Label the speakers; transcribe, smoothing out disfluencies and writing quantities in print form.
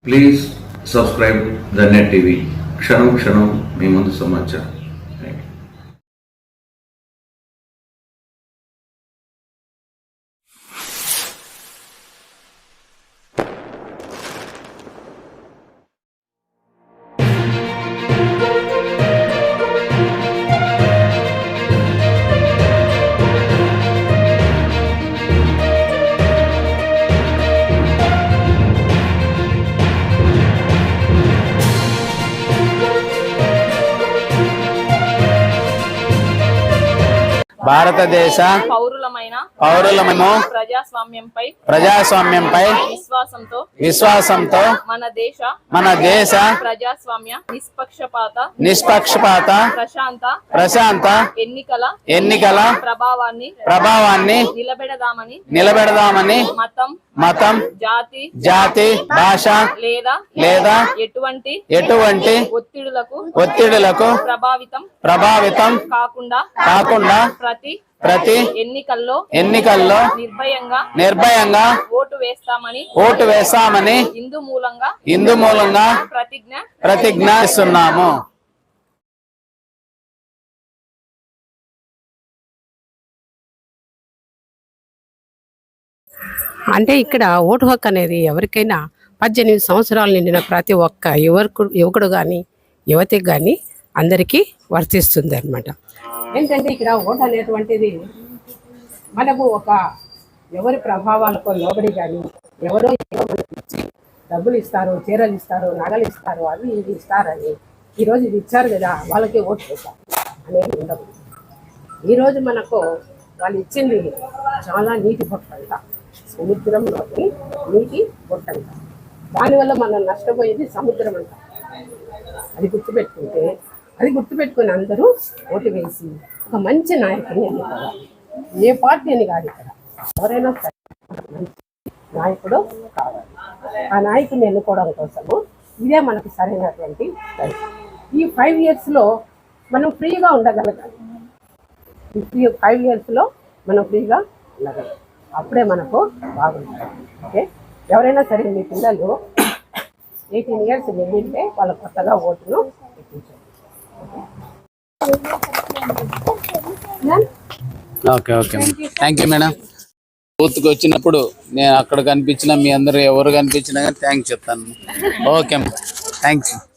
Speaker 1: Please subscribe the Net TV. క్షణం క్షణం మీ ముందు సమాచారం.
Speaker 2: భారతదేశ పౌరులమైన ప్రజాస్వామ్యంపై విశ్వాసంతో మన దేశ
Speaker 3: ప్రజాస్వామ్య
Speaker 2: నిష్పక్షపాత ప్రశాంత ఎన్నికల ప్రభావాన్ని నిలబెడదామని మతం జాతి భాష లేదా ఎటువంటి ఒత్తిడులకు ప్రభావితం కాకుండా ప్రతి ఎన్నికల్లో నిర్భయంగా ఓటు వేస్తామని ఇందు మూలంగా ప్రతిజ్ఞ చేస్తున్నాము.
Speaker 4: అంటే ఇక్కడ ఓటు హక్కు అనేది ఎవరికైనా 18 సంవత్సరాలు నిండిన ప్రతి ఒక్క యువకుడు కానీ యువతికి కానీ అందరికీ వర్తిస్తుంది అన్నమాట. ఏంటంటే ఇక్కడ ఓటు అనేటువంటిది మనము ఎవరి ప్రభావాలకు లోబడి కానీ ఎవరో ఇచ్చి డబ్బులు ఇస్తారు, చీరలు ఇస్తారు, నగలు ఇస్తారు, అవి ఇవి ఇస్తారని ఈరోజు ఇది ఇచ్చారు కదా వాళ్ళకి ఓటు వేస్తారు అనేది ఉండదు. ఈరోజు మనకు వాళ్ళు ఇచ్చింది చాలా నీటి బొట్టంట, సముద్రంలోని నీటి బొట్టంట. దానివల్ల మనం నష్టపోయేది సముద్రం అంట. అది గుర్తుపెట్టుకుని అందరూ ఓటు వేసి ఒక మంచి నాయకుడిని ఎన్నుకోవాలి. ఏ పార్టీ అని కాదు, ఇక్కడ ఎవరైనా సరే మంచి నాయకుడు కావాలి. ఆ నాయకుడిని ఎన్నుకోవడం కోసము ఇదే మనకు సరైనటువంటి టైం. ఈ 5 yearsలో మనం ఫ్రీగా ఉండగలగాలి. ఈ 5 yearsలో మనం ఫ్రీగా ఉండగలం. అప్పుడే మనకు బాగుంటుంది. ఓకే, ఎవరైనా సరే మీ పిల్లలు 18 years నిండితే వాళ్ళ కొత్తగా ఓటును ఎక్కించారు.
Speaker 2: Okay thank you madam. బూత్కి వచ్చినప్పుడు నేను అక్కడ కనిపించిన మీ అందరూ ఎవరు కనిపించినా కానీ థ్యాంక్స్ చెప్తాను. Okay thanks.